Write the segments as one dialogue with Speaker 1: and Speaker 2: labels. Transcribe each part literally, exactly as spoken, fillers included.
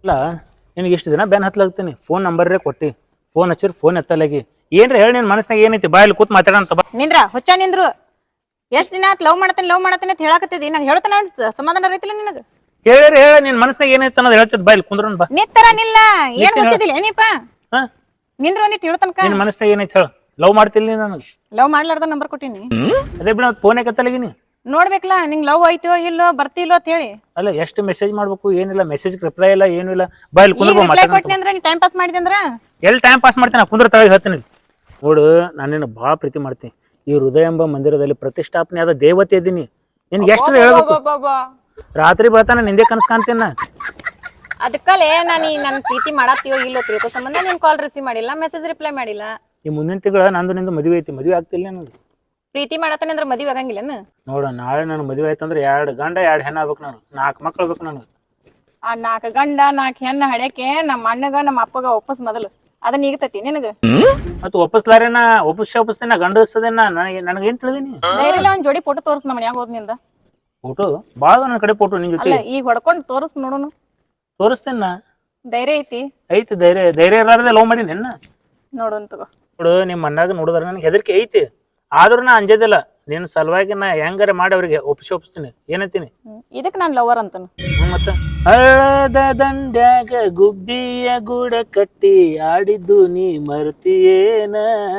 Speaker 1: ಇಲ್ಲ ನಿನಗೆ ಇಷ್ಟು ದಿನ ಬ್ಯಾನ್ ಹತ್ಲಾಗ್ತೀನಿ ಫೋನ್ ನಂಬರ್ರೇ ಕೊಟ್ಟಿ ಫೋನ್ ಹಚ್ಚಿರ್ ಫೋನ್ ಎತ್ತಲಾಗಿ ಏನ್ರಿ ಹೇಳಿ ನಿನ್ ಮನಸ್ನಾಗ ಏನೈತಿ ಬಾಯಲ್ಲಿ ಕೂತ್ ಮಾತಾಡೋಣ ಬಾ
Speaker 2: ನಿಂದ್ರ ಹುಚ್ಚ ನಿಂದ್ರು ಎಷ್ಟ್ ದಿನ ಆತ್ ಲವ್ ಮಾಡತೇನೆ ಲವ್ ಮಾಡತೇನೆ ಅಂತ ಹೇಳಕತ್ತಿದಿ ನಂಗೆ ಹೇಳ್ತಾನೆ ಅನ್ಸ್ತ ಸಮಾಧಾನ ರೈತಿಲ್ಲ ನಿನಗ
Speaker 1: ಹೇಳಿರಿ ಹೇಳ ನಿನ್ ಮನಸ್ನಾಗ ಏನೈತಿ ಅನ್ನೋದು ಹೇಳ್ತಿದ್ ಬಾಯಲ್ಲಿ ಕುಂದ್ರನ್ ಬಾ
Speaker 2: ನಿತ್ತರ ನಿಲ್ಲ ಏನ್ ಹುಚ್ಚಿದಿಲ್ಲ ಏನಿಪ್ಪ ನಿಂದ್ರ ಒಂದಿಟ್ಟು ಹೇಳ್ತನಕ
Speaker 1: ನಿನ್ ಮನಸ್ನಾಗ ಏನೈತಿ ಹೇಳ ಲವ್ ಮಾಡ್ತಿಲ್ಲ ನನಗೆ
Speaker 2: ಲವ್ ಮಾಡ್ಲಾರ್ದ ನಂಬರ್ ಕೊಟ್ಟಿನಿ
Speaker 1: ಅದೇ ಬಿಡ ಫೋನ್ ಎತ್ತಲಾಗಿನಿ
Speaker 2: ನೋಡ್ಬೇಕಲ್ಲ ನಿಂಗ್ ಲವ್ ಆಯ್ತೋ ಇಲ್ಲೋ ಬರ್ತಿಲ್ಲೋ ಅಂತ ಹೇಳಿ
Speaker 1: ಅಲ್ಲ ಎಷ್ಟು ಮೆಸೇಜ್ ಮಾಡ್ಬೇಕು ಏನಿಲ್ಲ ಮೆಸೇಜ್ ರಿಪ್ಲೈ ಇಲ್ಲ ಏನು ಇಲ್ಲ ಬಾಯಲ್ಲಿ ಕುಂದ್ರ
Speaker 2: ರಿಪ್ಲೈ ಕೊಟ್ನಿ ಅಂದ್ರೆ ನೀ ಟೈಮ್ ಪಾಸ್ ಮಾಡಿದೆ ಅಂದ್ರ
Speaker 1: ಎಲ್ಲಿ ಟೈಮ್ ಪಾಸ್ ಮಾಡ್ತೀನಿ ಕುಂದ್ರ ತಳಗ ಹೇಳ್ತೀನಿ ನೋಡು ನಾನು ನಿನ್ನ ಭಾಳ ಪ್ರೀತಿ ಮಾಡ್ತೀನಿ ಈ ಹೃದಯ ಎಂಬ ಮಂದಿರದಲ್ಲಿ ಪ್ರತಿಷ್ಠಾಪನೆ ಆದ ದೇವತೆ ಇದ್ದೀನಿ ನಿನ್ಗೆ ಎಷ್ಟು ಹೇಳ್ಬೇಕು ರಾತ್ರಿ ಬೆಳತಾನ ನಿಂದೆ ಕನಸು ಕಾಣ್ತೀನಿ ನಾ
Speaker 2: ಅದಕ್ಕಲ್ಲೇ ನಾನು ನನ್ನ ಪ್ರೀತಿ ಮಾಡತ್ತೀವೋ ಇಲ್ಲೋ ತಿಳ್ಕೊ ಸಂಬಂಧ ನೀನ್ ಕಾಲ್ ರಿಸೀವ್ ಮಾಡಿಲ್ಲ ಮೆಸೇಜ್ ರಿಪ್ಲೈ ಮಾಡಿಲ್ಲ
Speaker 1: ಈ ಮುಂದಿನ ತಿಂಗಳ ನಂದು ನಿಂದು ಮದುವೆ ಐತಿ ಮದುವೆ ಆಗ್ತಿಲ್ಲ ನನಗೆ
Speaker 2: ಪ್ರೀತಿ ಮಾಡತ್ತಾನೆ ಅಂದ್ರೆ ಮದುವೆ ಆಗಂಗಿಲ್ಲನ
Speaker 1: ನೋಡ ನಾಳೆ ನನ್ನ ಮದುವೆ ಆಯ್ತಂದ್ರೆ ಎರಡು ಗಂಡ ಎರಡು ಹೆಣ್ಣು ಆಗ್ಬೇಕು ನಾನು ನಾಲ್ಕು ಮಕ್ಳು ಬೇಕು ನನಗೆ
Speaker 2: ಆ ನಾಲ್ಕು ಗಂಡ ನಾಲ್ಕು ಹೆಣ್ಣು ಹಡ್ಯಾಕೆ ನಮ್ಮ ಅಣ್ಣಗ ನಮ್ಮ ಅಪ್ಪಗ ಒಪ್ಪಸ್ ಮೊದಲು ಅದನ್ನ ಈಗತತಿ ನಿನಗ
Speaker 1: ಮತ್ತೆ ಒಪ್ಪಿಸ್ಲಾರೇನ ಒಪ್ಪಿಸಿ ಒಪ್ಪಿಸ್ತೇನ ಗಂಡಸದೇನ ನನಗೆ ನನಗೆ ಏನ್ ತಿಳಿದೀನಿ
Speaker 2: ಧೈರ್ಯ ಒಂದ್ ಜೋಡಿ ಫೋಟೋ ತೋರ್ಸ್ ನಮ್ಮ ಮನ್ಯಾಗ ಹೋದ್ನಿಂದ
Speaker 1: ಫೋಟೋ ಭಾಳ ನನ್ನ ಕಡೆ ಫೋಟೋ ನಿನ್ ಜೊತೆ
Speaker 2: ಅಲ್ಲ ಈಗ ಹೊಡ್ಕೊಂಡ್ ತೋರ್ಸ್ ನೋಡೋನು
Speaker 1: ತೋರಿಸ್ತೇನ
Speaker 2: ಧೈರ್ಯ ಐತಿ
Speaker 1: ಐತಿ ಧೈರ್ಯ ಧೈರ್ಯ ಇರ್ಲಾರ್ದೆ ಲವ್ ಮಾಡೀನಿ ನಿನ್ನ
Speaker 2: ನೋಡೋನ್ ತಗೋ
Speaker 1: ನೋಡು ನಿಮ್ಮ ಮಣ್ಣಾಗ ನೋಡಿದ್ರೆ ನನಗೆ ಹೆದರಿಕೆ ಐತಿ ಆದ್ರೂ ನಾ ಅಂಜದಿಲ್ಲ ನಿನ್ನ ಸಲುವಾಗಿ ನಾ ಹೆಂಗಾರೆ ಮಾಡಿ ಅವ್ರಿಗೆ ಒಪ್ಪಿಸಿ ಒಪ್ಪಿಸ್ತೀನಿ ಏನಂತೀನಿ
Speaker 2: ಇದಕ್ ನಾನ್ ಲವರ್ ಅಂತನು
Speaker 1: ಮತ್ತ ಹಳದ ದಂಡ್ಯಾಗ ಗುಬ್ಬಿಯ ಗೂಡ ಕಟ್ಟಿ ಆಡಿದ್ದು ನೀ ಮರ್ತಿಯೇನ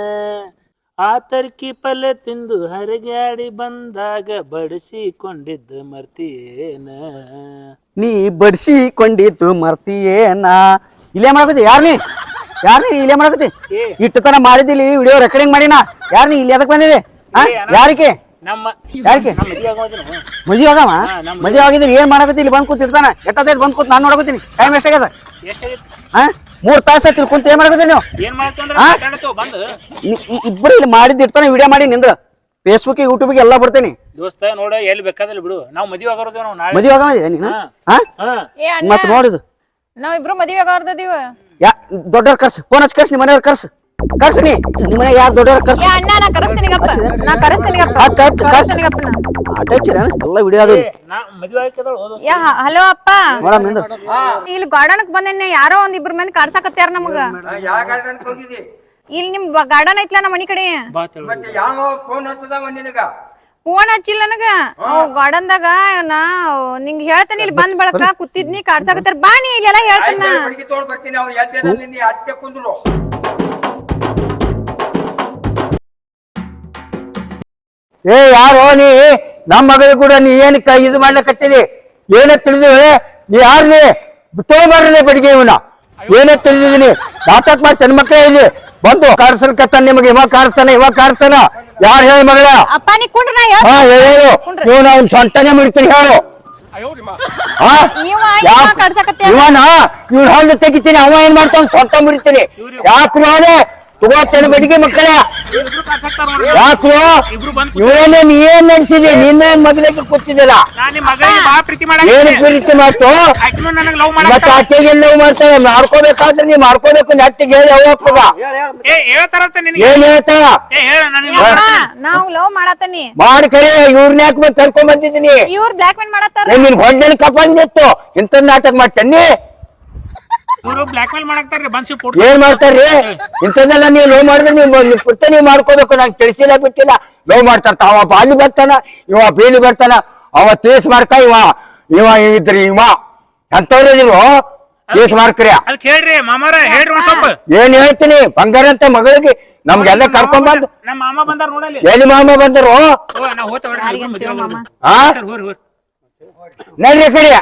Speaker 1: ಆ ತರ್ಕಿ ಪಲ್ಲೆ ತಿಂದು ಹರಗ್ಯಾಡಿ ಬಂದಾಗ ಬಡಿಸಿಕೊಂಡಿದ್ದು ಮರ್ತಿಯೇನ
Speaker 3: ನೀ ಬಡಿಸಿಕೊಂಡಿದ್ದು ಮರ್ತಿಯೇನ ಇಲ್ಲೇ ಮಾಡಕತ್ತಿ ಯಾರ್ ನೀ ಯಾರ್ ನೀ ಇಲ್ಲೇ ಮಾಡಕತ್ತಿ ಇಟ್ಟು ತನ ಮಾಡಿದಿಲ್ಲ ವಿಡಿಯೋ ರೆಕಾರ್ಡಿಂಗ್ ಮಾಡಿನ ಯಾರ್ ನೀ ಇಲ್ಲಿ ಎದಕ್ ಬಂದಿದೆ ಯಾರಿಕೆ
Speaker 1: ನಮ್ಮ
Speaker 3: ಯಾರಿಕೆ ಮದುವೆ ಆಗವ ಮದುವೆ ಆಗಿದ್ರೆ ಏನ್ ಮಾಡಕತ್ತಿ ಇಲ್ಲಿ ಬಂದ್ ಕೂತಿರ್ತಾನ ಎಟ್ಟದೈತ್ ಬಂದ್ ಕೂತ್ ನಾನ್ ನೋಡಕತ್ತೀನಿ ಟೈಮ್ ಎಷ್ಟಾಗ್ಯದ ಹಾ ಮೂರ್ ತಾಸ ಆಯ್ತು ಕುಂತ ಏನ್ ಮಾಡಕತ್ತೀನಿ ನೀವು ಇಬ್ಬರು ಇಲ್ಲಿ ಮಾಡಿದ್ ಇರ್ತಾನೆ ವಿಡಿಯೋ ಮಾಡಿ ನಿಂದ್ರ ಫೇಸ್ಬುಕ್ ಯೂಟ್ಯೂಬ್ಗೆ ಎಲ್ಲ ಬರ್ತೀನಿ
Speaker 1: ದೋಸ್ತ ನೋಡ ಎಲ್ಲಿ ಬೇಕಾದಲ್ಲಿ ಬಿಡು ನಾವು ಮದುವೆ ಆಗೋದು ನಾವು ನಾಳೆ
Speaker 3: ಮದುವೆ ಆಗವ ನೀನು ಹಾ ಮತ್ ನೋಡಿದು
Speaker 2: ನಾವಿಬ್ರು ಮದುವೆ ಆಗೋರ್ದೀವ
Speaker 3: ಯಾ ದೊಡ್ಡವ್ರ ಕರ್ಸು ಫೋನ್ ಹಚ್ಚಿ ಕರ್ಸಿ ನಿಮ್ಮ ಮನೆಯವ್ರ ಕರ್ಸು ಕರ್ಸಿ ನೀ ನಿಮ್ಮ ಮನೆ ಯಾರು ದೊಡ್ಡವ್ರ ಕರ್ಸು
Speaker 2: ಅಣ್ಣ ನಾ ಕರೆಸ್ತೀನಿಗಪ್ಪ ನಾ ಕರೆಸ್ತೀನಿಗಪ್ಪ
Speaker 3: ಹಚ್ಚ ಹಚ್ಚ ಕರ್ಸಿ ಅಟಚ್ಚಿರ ಎಲ್ಲ ವಿಡಿಯೋ ಅದು
Speaker 2: ಹಲೋ ಅಪ್ಪ
Speaker 3: ನೋಡಮ್ ನಿಂದ್ರ
Speaker 2: ಇಲ್ಲಿ ಗಾರ್ಡನ್ಕ್ ಬಂದೇನೆ ಯಾರೋ ಒಂದ್ ಇಬ್ರು ಮಂದಿ ಕಾಡ್ಸಾಕತ್ಯಾರ ನಮಗ ಇಲ್ಲಿ ನಿಮ್ ಗಾರ್ಡನ್ ಐತ್ಲಾ ನಮ್ಮ ಮನಿ ಕಡೆ ಫೋನ್ ಹಚ್ಚಿಲ್ಲ ನನಗ ಗಾರ್ಡನ್ದಾಗ ನಾ ನಿಂಗ್ ಹೇಳ್ತೇನೆ ಇಲ್ಲಿ ಬಂದ್ ಬಳಕ ಕೂತಿದ್ನಿ ಕಾಡ್ಸಾಕತ್ತಾರ ಬಾ ನೀ ಇಲ್ಲೆಲ್ಲ ಹೇಳ್ತೇನ
Speaker 3: ಏ ಯಾರೋ ನೀ ನಮ್ಮ ಮಗಳಿಗೆ ಕೂಡ ನೀ ಏನಕ್ಕ ಇದು ಮಾಡ್ಲಕತ್ತಿದಿ ಏನ ತಿಳಿದಿ ನೀ ಯಾರು ನೀ ತೋಬಾರ್ರಿ ಬಡಿಗೆ ಇವನ ಏನೇ ತಿಳಿದಿದ್ದೀನಿ ನಾಟಕ ಮಾಡಿ ತನ್ನ ಮಕ್ಕಳೇ ಇಲ್ಲಿ ಬಂದು ಕಾಡ್ಸಲ್ಕತ್ತ ನಿಮಗೆ ಇವಾಗ ಕಾಡಿಸ್ತಾನ ಇವಾಗ ಕಾಡಿಸ್ತಾನ ಯಾರು ಹೇಳಿ ಮಗಳ
Speaker 2: ಅಪ್ಪ ನೀ ಕುಂಡ್ರ
Speaker 3: ಹಾ ಹೇಳು ನೀವು ನಾವು ಸೊಂಟನೆ ಮುಡಿತೀನಿ ಹೇಳು ಇವನ ಇವ್ನ ಹಲ್ಲು ತೆಗಿತೀನಿ ಅವ ಏನ್ ಮಾಡ್ತಾನ ಸೊಂಟ ಮುಡಿತೀನಿ ಯಾಕ್ರು ಅವನೇ ತಗೋತೇನೆ ಬಡಿಗೆ ಮಕ್ಕಳ ಯಾಕ್ರು ಇವನೇ ನೀ ಏನ್ ನಡೆಸಿದಿ ನಿನ್ನ ಮಗಳಿಗೆ ಕೂತಿದ್ದಿಲ್ಲ ಏನು ಪ್ರೀತಿ ಮಾಡ್ತು ಮತ್ತೆ ಆಕೆಗೆ ಲವ್ ಮಾಡ್ತಾನೆ ಮಾಡ್ಕೋಬೇಕಾದ್ರೆ ನೀ ಮಾಡ್ಕೋಬೇಕು ನೆಟ್ಟಿಗೆ ಹೇಳಿ ಅವಪ್ಪಗ ಏನ್ ಹೇಳ್ತಾಳ
Speaker 2: ನಾವು ಲವ್ ಮಾಡತನಿ
Speaker 3: ಮಾಡಿ ಕರೆ ಇವ್ರನ್ನ ಯಾಕೆ ಬಂದು ಕರ್ಕೊಂಡ್ ಬಂದಿದ್ದೀನಿ
Speaker 2: ಇವ್ರ ಬ್ಲಾಕ್ ಮೇಲ್ ಮಾಡತ್ತಾರ
Speaker 3: ನಿನ್ ಹೊಂಡನ ಕಪ್ಪಂದಿತ್ತು ಇಂಥ ನಾಟಕ ಮಾಡ್ತೇನೆ ಏನ್ ಮಾಡ್ತಾರ್ರಿ ಇಂಥದ್ದೆಲ್ಲ ನೀವು ಲವ್ ಮಾಡಿದ್ರೆ ನೀವು ಪುರ್ತ ನೀವು ಮಾಡ್ಕೋಬೇಕು ನಂಗೆ ತಿಳಿಸಿಲ್ಲ ಬಿಟ್ಟಿಲ್ಲ ಲವ್ ಮಾಡ್ತಾರ ಅವ ಬಾಲಿ ಬರ್ತಾನ ಇವ ಬೇಲಿ ಬರ್ತಾನ ಅವ ತೀಸ್ ಮಾಡ್ತಾ ಇವ ಇವ ಇದ್ರಿ ಇವ ಎಂತವ್ರಿ ನೀವು ತೀಸ್ ಮಾಡ್ಕ್ರಿಯ ಏನ್ ಹೇಳ್ತೀನಿ ಬಂಗಾರ ಅಂತ ಮಗಳಿಗೆ ನಮ್ಗೆಲ್ಲ ಕರ್ಕೊಂಡ್ ಬಂದು ಎಲ್ಲಿ ಮಾಮ ಬಂದರು ನಡ್ರಿ ಕರಿಯ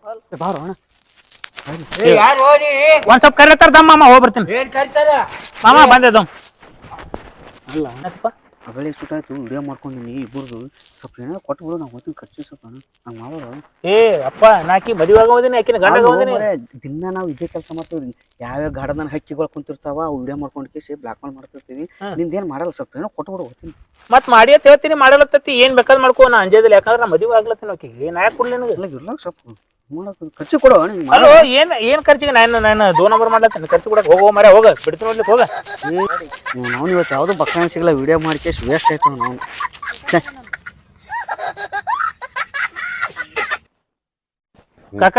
Speaker 1: ಒಂದ್ ಸ್ವಲ್ಪ ಕರಿತಾರ ದಮ್ಮ ಮಾಮ ಹೋಗಿ ಬರ್ತೀನಿ ಮಾಮ ಬಂದೆ ಅಲ್ಲ
Speaker 3: ಅಗಳೇ ಸುಟ್ಟಾಯ್ತು ವಿಡಿಯೋ ಮಾಡ್ಕೊಂಡಿನಿ ಇಬ್ಬರದು ಸ್ವಲ್ಪ ಏನೋ ಕೊಟ್ಟು ಬಿಡು ನಾವು ಹೋಗ್ತೀನಿ ಖರ್ಚು ಸ್ವಲ್ಪ ಹಂಗೆ ಮಾಡೋದು
Speaker 1: ಏ ಅಪ್ಪ ನಾಕಿ ಮದುವೆ ಆಗೋದಿನಿ ಆಕಿನ ಗಂಡ ಆಗೋದಿನಿ
Speaker 3: ದಿನ ನಾವು ಇದೇ ಕೆಲಸ ಮಾಡ್ತೀವಿ ಯಾವ್ಯಾವ ಗಾರ್ಡನ್ ಹಕ್ಕಿಗಳು ಕುಂತಿರ್ತಾವ ವಿಡಿಯೋ ಮಾಡ್ಕೊಂಡು ಕೇಸಿ ಬ್ಲಾಕ್ ಮೇಲ್ ಮಾಡ್ತಿರ್ತೀವಿ ನಿಂದೇನು ಮಾಡಲ್ಲ ಸ್ವಲ್ಪ ಏನೋ ಕೊಟ್ಟು ಬಿಡು ಹೋಗ್ತೀನಿ
Speaker 1: ಮತ್ ಮಾಡಿ ಅಂತ ಹೇಳ್ತೀನಿ ಮಾಡಲತ್ತತಿ ಏನ್ ಬೇಕಾದ್ ಮಾಡ್ಕೋ ನಾ ಅಂಜದಿಲ್ಲ ಯಾಕಂದ್ರೆ ನಾ ಮದುವೆ ಆಗ್ಲತ್ತೀನಿ ಆಕಿಗೆ ನಾ ಯಾಕೆ ಕೊಡ್ಲಿ ನನಗೆ
Speaker 3: ಇಲ್ಲ ಸ್ವಲ್ಪ ಖರ್ಚು ಕೊಡು
Speaker 1: ಅಲ್ಲೋ ಏನ್ ಏನ್ ಖರ್ಚಿಗೆ ನಾನು ನಾನು ದೋ ನಂಬರ್ ಮಾಡ್ಲತ್ತೀನಿ ಖರ್ಚು ಕೊಡಕ್ ಹೋಗೋ ಮರ ಹೋಗ ಬಿಡ್ತೀನಿ ನೋಡ್ಲಿಕ್ಕೆ ಹೋಗ
Speaker 3: ನಾವು ಇವತ್ತು ಯಾವ್ದು ಬಕ್ಕಣ ಸಿಗಲ್ಲ ವಿಡಿಯೋ ಮಾಡಿ ವೇಸ್ಟ್ ಆಯ್ತು ನಾವು
Speaker 1: ಕಾಕ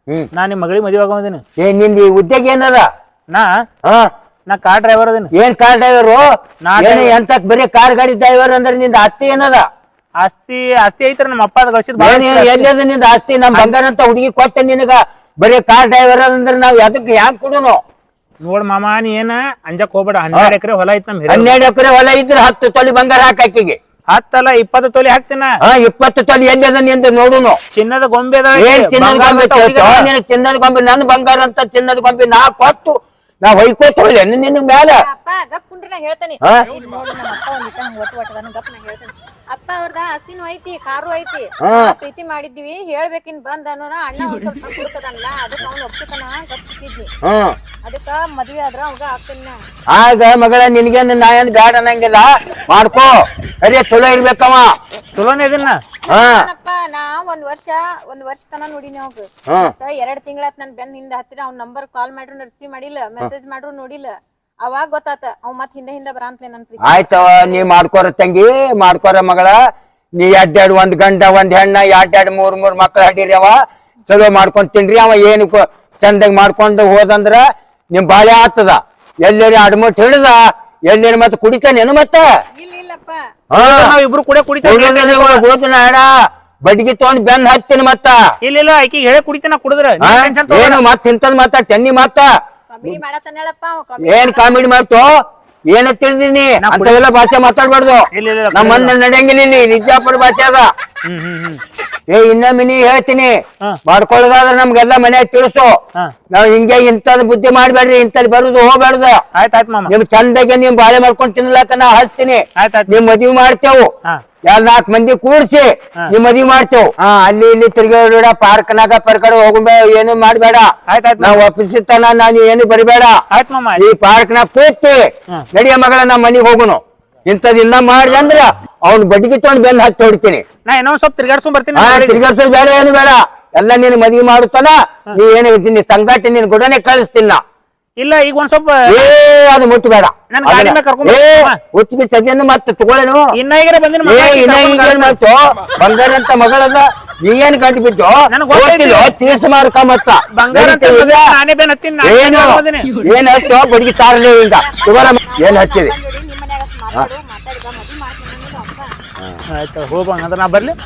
Speaker 3: ಹ್ಮ್
Speaker 1: ನಾ ನಿಮ್ ಮಗಳಿಗೆ ಮದುವೆ ಆಗೋದಿನಿ.
Speaker 3: ಏ ನಿಂದ ಈ ಉದ್ಯೋಗ ಏನದ?
Speaker 1: ನಾ
Speaker 3: ಹಾ
Speaker 1: ನಾ ಕಾರ್ ಡ್ರೈವರ್ ಅದೀನಿ.
Speaker 3: ಏನ್ ಕಾರ್ ಡ್ರೈವರು?
Speaker 1: ನಾ
Speaker 3: ಏನ್ ಎಂತ ಬರೀ ಕಾರ್ ಗಾಡಿ ಡ್ರೈವರ್ ಅಂದ್ರೆ ನಿಂದ ಆಸ್ತಿ ಏನದ?
Speaker 1: ಆಸ್ತಿ ಆಸ್ತಿ ಐತ್ರಿ ನಮ್ಮ ಅಪ್ಪ ಗಳಿಸಿದ್
Speaker 3: ಏನ್ ಎಲ್ಲದ ನಿಂದ ಆಸ್ತಿ? ನಮ್ ಬಂಗಾರ ಅಂತ ಹುಡುಗಿ ಕೊಟ್ಟ ನಿನಗ ಬರೀ ಕಾರ್ ಡ್ರೈವರ್ ಅಂದ್ರೆ ನಾವ್ ಎದಕ್ ಹ್ಯಾಂಗ್ ಕೊಡುನು?
Speaker 1: ನೋಡ್ ಮಾಮ ನೀ ಏನ ಅಂಜಕ್ ಹೋಗ್ಬೇಡ. ಹನ್ನೆರಡು ಎಕರೆ ಹೊಲ ಐತ್ ನಮ್ ಹಿರಿಯ.
Speaker 3: ಹನ್ನೆರಡು ಎಕರೆ ಹೊಲ ಇದ್ರೆ ಹತ್ತು ತೊಲಿ ಬಂಗಾರ ಹಾಕಿಗೆ.
Speaker 1: ಹತ್ತಲ್ಲ ಇಪ್ಪತ್ತು ತೊಲಿ ಹಾಕ್ತೀನ.
Speaker 3: ಹಾ ಇಪ್ಪತ್ತು ತೊಲಿ ಎಲ್ಲದ ನಿಂದ ನೋಡುನು.
Speaker 1: ಚಿನ್ನದ ಗೊಂಬೆ ಅದ.
Speaker 3: ಏನ್ ಚಿನ್ನದ ಗೊಂಬೆ ಕೇಳ್ತೋ? ನೀನು ಚಿನ್ನದ ಗೊಂಬೆ ನನ್ ಬಂಗಾರ ಅಂತ ಚಿನ್ನದ ಗೊಂಬೆ ನಾ ಕೊಟ್ಟು ನಾ ಹೊಯ್ಕೋತ ಹೋಗ್ಲಿ ನಿನ್ ಮ್ಯಾಲ.
Speaker 2: ಅಪ್ಪ ಗಪ್ ಕುಂಡ್ರಿ ನಾ ಹೇಳ್ತೇನೆ.
Speaker 3: ಹಾ
Speaker 2: ಇಲ್ಲಿ ನೋಡು ನಮ್ಮ ಅಪ್ಪ ಒಂದ್ ಇಟ್ಟ ಒಟ್ಟು ಒಟ್ಟದನ ಗಪ್ ನಾ ಹೇಳ್ತೇನೆ. ಅಪ್ಪ ಅವ್ರದ ಹಸಿನೂ ಐತಿ ಕಾರು ಐತಿ.
Speaker 3: ಹಾ.
Speaker 2: ಪ್ರೀತಿ ಮಾಡಿದ್ವಿ ಹೇಳ್ಬೇಕಿನ್ ಬಂದ ಅನ್ನೋರ ಅಣ್ಣ ಒಂದ್ ಸ್ವಲ್ಪ ಕುಡ್ತದಲ್ಲ ಅದಕ್ಕ ಅವ್ನ ಒಪ್ಸತನ ಗಪ್ಪಿದ್ನಿ.
Speaker 3: ಹ್ಮ್
Speaker 2: ಅದಕ್ಕ ಮದ್ವೆ ಆದ್ರ ಅವಾಗ ಆಗ್ತೇನ.
Speaker 3: ಆಗ ಮಗಳ ನಿನ್ಗೆ ನಾ ಏನ್ ಬ್ಯಾಡ ಅನ್ನಂಗಿಲ್ಲ, ಮಾಡ್ಕೋ. ಅರೇ ಚಲೋ ಇರ್ಬೇಕವ.
Speaker 1: ಚಲೋನೇ ಇದನ್ನ.
Speaker 3: ಹಾ
Speaker 2: ಅಪ್ಪ ನಾ ಒಂದ್ ವರ್ಷ ಒಂದ್ ವರ್ಷ ತನ ನೋಡಿನಿ ಅವಾಗ.
Speaker 3: ಹಾ
Speaker 2: ಎರಡ್ ತಿಂಗಳಾತ್ ನನ್ ಬೆನ್ ಹಿಂದ ಹತ್ತಿರ ಅವ್ನ ನಂಬರ್ ಕಾಲ್ ಮಾಡ್ರು ರಿಸೀವ್ ಮಾಡಿಲ್ಲ, ಮೆಸೇಜ್ ಮಾಡ್ರು ನೋಡಿಲ್ಲ. ಅವಾಗ ಗೊತ್ತಾತ ಅವ್ ಮತ್ ಹಿಂದೆ ಹಿಂದೆ ಬರಂತ್ಲೆ ನನ್ ಪ್ರೀತಿ.
Speaker 3: ಆಯ್ತವ, ನೀ ಮಾಡ್ಕೋರ ತಂಗಿ, ಮಾಡ್ಕೋರ ಮಗಳ. ನೀ ಎಡ್ಡೆರಡು ಒಂದ್ ಗಂಡ ಒಂದ್ ಹೆಣ್ಣ ಎಡ್ಡೆರಡು ಮೂರ್ ಮೂರ್ ಮಕ್ಳು ಹಡೀರಿ. ಅವ ಚಲೋ ಮಾಡ್ಕೊಂಡ್ ತಿನ್ರಿ. ಅವ ಏನು ಚಂದಾಗಿ ಮಾಡ್ಕೊಂಡು ಹೋದಂದ್ರ ನಿಮ್ ಬಾಳೆ ಆಗ್ತದ. ಎಲ್ಲೇರಿ ಅಡ್ಮುಟ್ ಹಿಡ್ದ ಎಲ್ಲೇರಿ ಮತ್ತ ಕುಡಿತಾನೇನು ಮತ್ತ?
Speaker 2: ಇಲ್ಲ ಇಲ್ಲಪ್ಪ.
Speaker 3: ಹಾ
Speaker 1: ನಾವ್ ಇಬ್ರು ಕೂಡ ಕುಡಿತೇವೆ.
Speaker 3: ಹೋದ್ನ ಅಡ ಬಡ್ಗಿ ತಗೊಂಡ್ ಬೆನ್ ಹತ್ತಿನ ಮತ್ತ.
Speaker 1: ಇಲ್ಲ ಇಲ್ಲ ಆಕಿ ಹೇಳಿ ಕುಡಿತೇನ ಕುಡಿದ್ರ
Speaker 3: ಹಾ? ಏನು ಮತ್ ಇಂತದ್ ಮತ್ತ ತೆನ್ನಿ ಮತ್ತ
Speaker 2: ಕಾಮಿಡಿ ಮಾಡತ್ತಾನ ಹೇಳಪ್ಪ ಅವ.
Speaker 3: ಏನ್ ಕಾಮಿಡಿ ಮಾಡ್ತೋ? ಏನ ತಿಳಿದೀನಿ ಅಂತವೆಲ್ಲ ಭಾಷೆ ಮಾತಾಡ್ಬಾರ್ದು.
Speaker 1: ಇಲ್ಲ ಇಲ್ಲ
Speaker 3: ನಮ್ಮ ಮಂದಿ ನಡೆಯಂಗಿಲ್ಲ ಇಲ್ಲಿ. ನಿಜಾಪುರ ಭಾಷೆ ಅದ.
Speaker 1: ಹ್ಮ್ ಹ್ಮ್ ಹ್ಮ್
Speaker 3: ಏ ಇನ್ನೊಮ್ಮೆ ನೀ ಹೇಳ್ತೀನಿ
Speaker 1: ಹಾ.
Speaker 3: ಮಾಡ್ಕೊಳ್ಳೋದಾದ್ರ ನಮ್ಗೆಲ್ಲ ಮನ್ಯಾಗ ತಿಳಿಸು.
Speaker 1: ಹಾ
Speaker 3: ನಾವ್ ಹಿಂಗೆ ಇಂಥದ್ ಬುದ್ಧಿ ಮಾಡ್ಬೇಡ್ರಿ, ಇಂಥದ್ ಬರುದು ಹೋಗ್ಬೇಡ್ದ.
Speaker 1: ಆಯ್ತಾಯ್ತು ಮಾಮ.
Speaker 3: ನಿಮ್ ಚಂದಾಗೆ ನಿಮ್ ಬಾಳೆ ಮಾಡ್ಕೊಂಡ್ ತಿನ್ಲಾಕ ನಾ ಹಚ್ತೀನಿ.
Speaker 1: ಆಯ್ತಾಯ್ತು.
Speaker 3: ನಿಮ್ ಮದ್ವಿ ಮಾಡ್ತೇವು.
Speaker 1: ಹಾ
Speaker 3: ಎಲ್ ನಾಲ್ಕು ಮಂದಿ ಕೂಡ್ಸಿ ನಿಮ್ ಮದ್ವಿ ಮಾಡ್ತೇವ್. ಹಾ ಅಲ್ಲಿ ಇಲ್ಲಿ ತಿರ್ಗಾಡ ಪಾರ್ಕ್ನಾಗ ಪರ್ಕಡೆ ಹೋಗ್ಬೇ ಏನು ಮಾಡ್ಬೇಡ.
Speaker 1: ಆಯ್ತಾಯ್ತು
Speaker 3: ನಾವ್ ಒಪ್ಪಿಸಿತನ ನಾನು ಏನು ಬರಿಬೇಡ.
Speaker 1: ಆಯ್ತು ಮಾಮ.
Speaker 3: ಈ ಪಾರ್ಕ್ನಾಗ ಕೂತಿ
Speaker 1: ಹಾ.
Speaker 3: ನಡಿಯ ಮಗಳ ನಮ್ಮ ಮನಿಗ್ ಹೋಗುನು. ಇಂಥದ್ ಇನ್ನ ಮಾಡಿದೆ ಅಂದ್ರ ಅವ್ನ ಬಡ್ಗಿ ತಗೊಂಡ್ ಬೆನ್ ಹತ್ತಿ ಹೊಡಿತೀನಿ.
Speaker 1: ನಾ ಇನ್ನೊಂದ್ ಸ್ವಲ್ಪ ತಿರ್ಗಾಡ್ಸ್ಕೊಂಡ್ ಬರ್ತೀನಿ.
Speaker 3: ಹಾ ತಿರ್ಗಾಡ್ಸೋದ್ ಬೇಡ, ಏನು ಬೇಡ. ಎಲ್ಲ ನೀನು ಮದ್ವಿ ಮಾಡುತ್ತಾನ. ನೀ ಏನು ನೀ ಸಂಗಾಟಿ ನಿನ್ ಗುಡನೆ ಕಳಿಸ್ತಿಲ್ಲ.
Speaker 1: ಇಲ್ಲ ಈಗ ಒಂದ್ ಸ್ವಲ್ಪ
Speaker 3: ಏ ಅದು ಮುಟ್ಟಬೇಡ.
Speaker 1: ನನ್ ಗಾಡಿ ಮೇಲೆ ಕರ್ಕೊಂಡ್
Speaker 3: ಏ
Speaker 1: ಬರ್ತೀನಿ ಮಾಮ.
Speaker 3: ಹುಚ್ಚಿಗೆ ಸಜ್ಜನ್ನು ಮತ್ತೆ ತಗೊಳ್ಳೇನು?
Speaker 1: ಇನ್ನ ಈಗರೆ ಬಂದಿನ
Speaker 3: ಏ ಇನ್ನ ಈಗ ಏನ್ ಮಾಡ್ತು? ಬಂಗಾರ ಅಂತ ಮಗಳದ ನೀ ಏನ್ ಗಂಟು ಬಿದ್ದು
Speaker 1: ನನಗ್ ಗೊತ್ತೈತಿ.
Speaker 3: ತೀರ್ಸ ಮಾರ್ಕ ಮತ್ತ
Speaker 1: ಬಂಗಾರ ಅಂತ
Speaker 3: ನಡೀತದೆ ಈಗ?
Speaker 1: ನಾನೇ ಬೇನ್ ಹತ್ತೀನಿ. ನಾನೇ
Speaker 3: ಏನು
Speaker 1: ಬೇನ್ ಹತ್ತೀನಿ.
Speaker 3: ಏನ್ ಹಚ್ಚೋ ಬಡ್ಗಿ ತಾರಲೇ ಈಗ ತಗೋರ. ಏನ್ ಹಚ್ಚಿದಿ?
Speaker 2: ಬಂದ್ ನೋಡಿ ನಿಮ್ ಮನ್ಯಾಗ ಅಷ್ಟ್ ಮಾತಾಡು ಮಾತಾಡಿ ಬಾ ಮದ್ವಿ ಮಾಡ್ತೀನಿ ಅನ್ನೋದು ಅಪ್ಪ.
Speaker 1: ಆಯ್ತು ಹೋಗ್ಬಂಗ ಅಂದ್ರೆ ನಾ ಬರ್ಲಿ.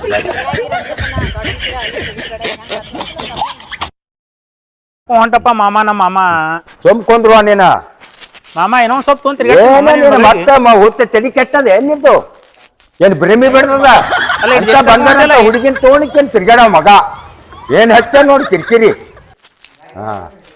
Speaker 1: ಹೊಂಟಪ್ಪ ಮಾಮ. ನಮ್ಮ ಮಾಮ
Speaker 3: ಸೊಮ್ಕೊಂಡ್ರು ನೀನ.
Speaker 1: ಮಾಮ ಇನ್ನೊಂದ್ ಸ್ವಲ್ಪ ತೊಗೊಂಡ್
Speaker 3: ಏನ ನೀನು
Speaker 1: ತಿರ್ಗಾಡ್ಸ್ಕೊಂಡ್
Speaker 3: ಮತ್ತೆ ಮ- ಹುಚ್ಚ ತಲೆ ಕೆಟ್ಟದ ಏನ್ ನಿಂದು? ಏನ್ ಭ್ರಮಿ ಬಿಡ್ತದ?
Speaker 1: ಅಲ್ಲ, ಇದು
Speaker 3: ಅಂತ
Speaker 1: ಎಷ್ಟು
Speaker 3: ಬಂಗಾರ
Speaker 1: ಅಲ್ಲ?
Speaker 3: ಹುಡುಗಿನ ತೋಣಿಕೇನ್ ತಿರ್ಗಾಡ ಮಗ. ಏನ್ ಹಚ್ಚ ನೋಡಿ ಕಿರಿಕಿರಿ. ಹಾ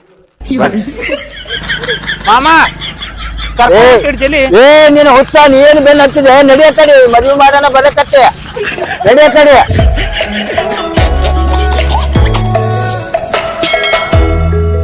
Speaker 1: ಮಾಮ
Speaker 3: ಏ
Speaker 1: ಕರ್ಕೊಂಡ್ ಜಲ್ಲಿ.
Speaker 3: ಏ ನೀನು ಹುಚ್ಚ ನೀ ಏನ್ ಬೆನ್ ಹತ್ತಿದೆ? ನಡಿಯ ಕಡೆ ಮದ್ವೆ ಮಾಡೋಣ ಬರಕತ್ತೆ. ನಡಿಯ ಕಡೆ.